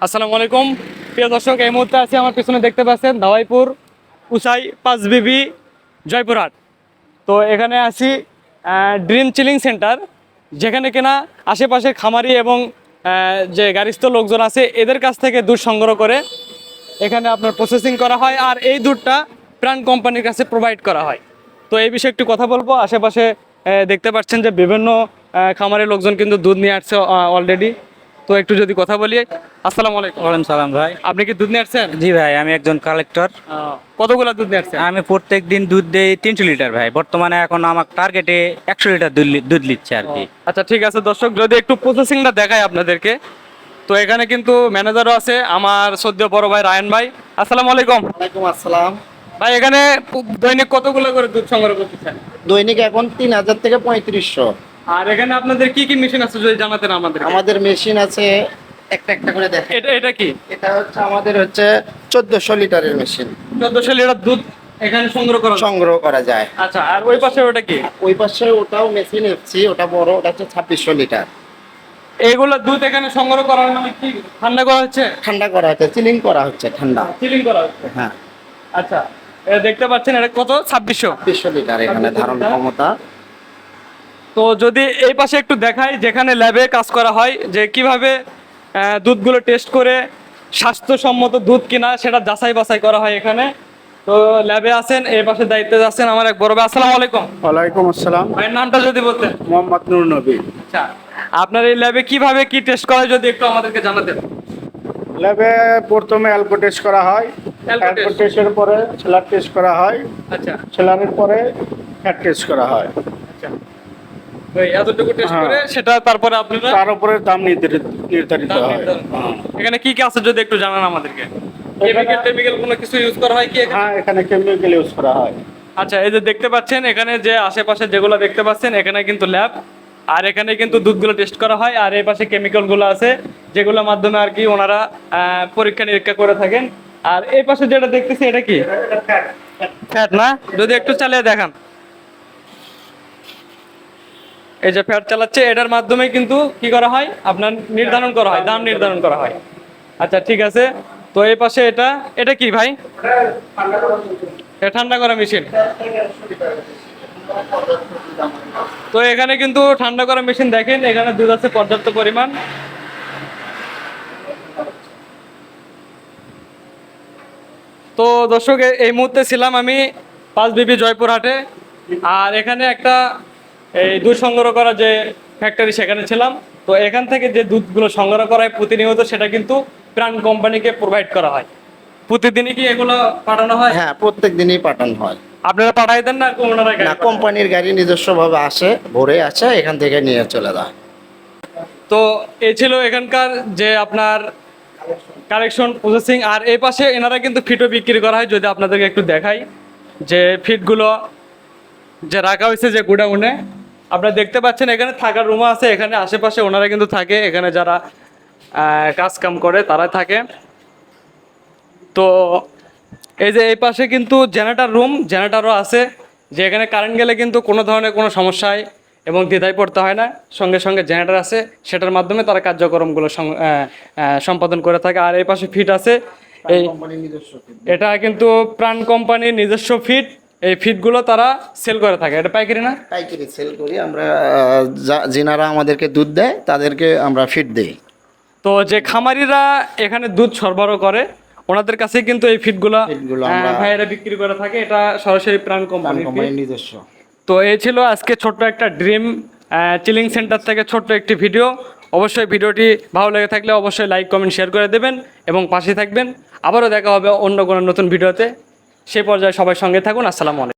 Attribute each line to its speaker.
Speaker 1: আসসালামু আলাইকুম প্রিয় দর্শক, এই মুহূর্তে আছি আমার পিছনে দেখতে পাচ্ছেন ধাওয়াইপুর উসাই 5BB জয়পুরহাট। তো এখানে আছি ড্রিম চিলিং সেন্টার, যেখানে কিনা আশেপাশের খামারি এবং যে গারিস্থ লোকজন আছে এদের কাছ থেকে দুধ সংগ্রহ করে এখানে আপনার প্রসেসিং করা হয়, আর এই দুধটা প্রাণ কোম্পানির কাছে প্রোভাইড করা হয়। তো এই বিষয়ে একটু কথা বলবো। আশেপাশে দেখতে পাচ্ছেন যে বিভিন্ন খামারের লোকজন কিন্তু দুধ নিয়ে আসছে অলরেডি। তো একটু যদি কথা বলি। আসসালামু আলাইকুম।
Speaker 2: ওয়ালাইকুম সালাম ভাই।
Speaker 1: আপনি কি দুধ নিয়ে আসছেন?
Speaker 2: জি ভাই, আমি একজন কালেক্টর।
Speaker 1: কতগুলো দুধ নিয়ে আসছেন?
Speaker 2: আমি প্রত্যেক দিন দুধ দেই 300 লিটার ভাই। বর্তমানে এখন আমার টার্গেটে 100 লিটার দুধ নিচ্ছে আর কি।
Speaker 1: আচ্ছা ঠিক আছে দর্শক, যদি একটু প্রসেসিংটা দেখাই আপনাদেরকে। তো এখানে কিন্তু ম্যানেজারও আছে, আমার সদ্য বড় ভাই রায়ন ভাই। আসসালামু আলাইকুম।
Speaker 3: ওয়ালাইকুম আসসালাম।
Speaker 1: ভাই এখানে দৈনিক কতগুলো করে দুধ সংগ্রহ করতেছেন?
Speaker 3: দৈনিক এখন 3000 থেকে 3500।
Speaker 1: আর এখানে আপনাদের কি কি মেশিন আছে যদি জানাতেন আমাদের।
Speaker 3: আমাদের মেশিন আছে একটা একটা করে দেখেন।
Speaker 1: এটা কি?
Speaker 3: এটা হচ্ছে আমাদের 1400 লিটারের মেশিন।
Speaker 1: 1400 লিটার দুধ এখানে
Speaker 3: সংগ্রহ করা যায়।
Speaker 1: আচ্ছা, আর ওই পাশে ওটা কি?
Speaker 3: ওই পাশে ওটাও মেশিন এফসি, ওটা বড়, ওটা হচ্ছে 2600 লিটার।
Speaker 1: এইগুলো দুধ এখানে সংগ্রহ করার মানে কি ঠান্ডা করা হচ্ছে?
Speaker 3: ঠান্ডা করা হচ্ছে, চিলিং করা হচ্ছে ঠান্ডা।
Speaker 1: চিলিং করা হচ্ছে।
Speaker 3: হ্যাঁ,
Speaker 1: আচ্ছা, এটা দেখতে পাচ্ছেন, এটা কত? 2600
Speaker 3: লিটার এখানে ধারণ ক্ষমতা।
Speaker 1: তো যদি এই পাশে একটু দেখাই, যেখানে ল্যাবে কাজ করা হয়, যে কিভাবে দুধগুলো টেস্ট করে স্বাস্থ্যসম্মত দুধ কিনা সেটা যাচাই বাছাই করা হয় এখানে। তো ল্যাবে আছেন, এই পাশে দায়িত্বে আছেন আমার এক বড় ভাই। আসসালামু আলাইকুম।
Speaker 4: ওয়ালাইকুম আসসালাম।
Speaker 1: ভাইয়ের নামটা যদি বলতেন।
Speaker 4: মোহাম্মদ নুর নবী।
Speaker 1: আচ্ছা, আপনার এই ল্যাবে কিভাবে কি টেস্ট করা হয় যদি একটু আমাদেরকে জানাতেন।
Speaker 4: ল্যাবে প্রথমে অ্যালকো টেস্ট করা হয়,
Speaker 1: অ্যালকো
Speaker 4: অ্যালকো
Speaker 1: টেস্ট।
Speaker 4: টেস্টের পরে সেলার টেস্ট করা হয়,
Speaker 1: আচ্ছা
Speaker 4: সেলারের পরে ফ্যাট টেস্ট করা হয়।
Speaker 1: আচ্ছা, ওই এতটুকু টেস্ট
Speaker 4: হ্যাঁ।
Speaker 1: করে সেটা তারপরে আপনারা
Speaker 4: তার উপরে দাম নির্ধারিত
Speaker 1: দাম
Speaker 4: হয়।
Speaker 1: নির্ধারণ করেন।
Speaker 4: হ্যাঁ।
Speaker 1: এখানে কি কি আছে যদি একটু জানান আমাদেরকে। কেমিক্যাল কোনো কিছু ইউজ করা হয় কি এখানে?
Speaker 4: হ্যাঁ, এখানে কেমিক্যাল ইউজ করা হয়।
Speaker 1: আচ্ছা, এই যে দেখতে পাচ্ছেন এখানে যে আশেপাশে যেগুলো দেখতে পাচ্ছেন, এখানে কিন্তু ল্যাব, আর এখানে কিন্তু দুধগুলো টেস্ট করা হয়, আর এই পাশে কেমিক্যালগুলো আছে যেগুলোর মাধ্যমে আর কি ওনারা পরীক্ষা নিরীক্ষা করে থাকেন। আর এই পাশে যেটা দেখতেছি এটা কি? ফ্যাট না? যদি একটু চালিয়ে দেখান। এই যে ফ্যাট চালাচ্ছে, এটার মাধ্যমে কিন্তু কি করা হয়, আপনার নির্ধারণ করা হয়, দাম নির্ধারণ করা হয়। আচ্ছা ঠিক আছে। তো এই পাশে এটা কি ভাই? এটা ঠান্ডা করা মেশিন। তো এখানে কিন্তু ঠান্ডা করা মেশিন, দেখেন এখানে দুধ আছে পর্যাপ্ত পরিমাণ। তো দর্শক, এই মুহূর্তে ছিলাম আমি 5BB জয়পুরহাটে, আর এখানে একটা এই দুধ সংগ্রহ করা যে ফ্যাক্টরি সেখানে ছিলাম। তো এখান থেকে যে দুধগুলো সংগ্রহ করা হয় প্রতিনিয়ত, সেটা কিন্তু প্রাণ কোম্পানিকে প্রোভাইড করা হয়। প্রতিদিনই কি এগুলো পাঠানো হয়?
Speaker 3: হ্যাঁ, প্রত্যেক দিনই পাঠানো হয়।
Speaker 1: আপনারা পাঠাই দেন না ওনারা?
Speaker 3: না, কোম্পানির গাড়ি নিজস্বভাবে আসে, ভোরে আসে, এখান থেকে নিয়ে চলে যায়।
Speaker 1: তো এই ছিল এখানকার যে আপনার কালেকশন প্রসেসিং। আর এই পাশে এনারা কিন্তু ফিটও বিক্রি করা হয়, যদি আপনাদেরকে একটু দেখাই যে ফিটগুলো যে রাখা হয়েছে যে গোডাউনে, আপনারা দেখতে পাচ্ছেন এখানে থাকার রুমও আছে। এখানে আশেপাশে ওনারা কিন্তু থাকে, এখানে যারা কাজ কাম করে তারা থাকে। তো এই যে এই পাশে কিন্তু জেনারেটরও আছে, যে এখানে কারেন্ট গেলে কিন্তু কোনো ধরনের কোনো সমস্যায় এবং দ্বিধায় পড়তে হয় না। সঙ্গে সঙ্গে জেনারেটর আছে, সেটার মাধ্যমে তারা কার্যক্রমগুলো সম্পাদন করে থাকে। আর এই পাশে ফিট আছে, এই এটা কিন্তু প্রাণ কোম্পানির নিজস্ব ফিট। এই ফিটগুলো তারা সেল করে থাকে। এটা পাইকারি না?
Speaker 3: পাইকারি সেল করি আমরা। যিনারা আমাদেরকে দুধ দেয় তাদেরকে আমরা ফিড দেই।
Speaker 1: তো যে খামারিরা এখানে দুধ সরবরাহ করে ওনাদের কাছে কিন্তু এই ফিটগুলো
Speaker 3: আমরা
Speaker 1: ভাইয়েরা বিক্রি করে থাকে। এটা সরাসরি প্রাণ কোম্পানির
Speaker 3: নিজস্ব।
Speaker 1: তো এই ছিল আজকে ছোট্ট একটা ড্রিম চিলিং সেন্টার থেকে ছোট্ট একটি ভিডিও। অবশ্যই ভিডিওটি ভালো লেগে থাকলে অবশ্যই লাইক কমেন্ট শেয়ার করে দেবেন এবং পাশে থাকবেন। আবারও দেখা হবে অন্য কোনো নতুন ভিডিওতে। সেই পর্যায়ে সবাই সঙ্গে থাকুন। আসসালামু আলাইকুম।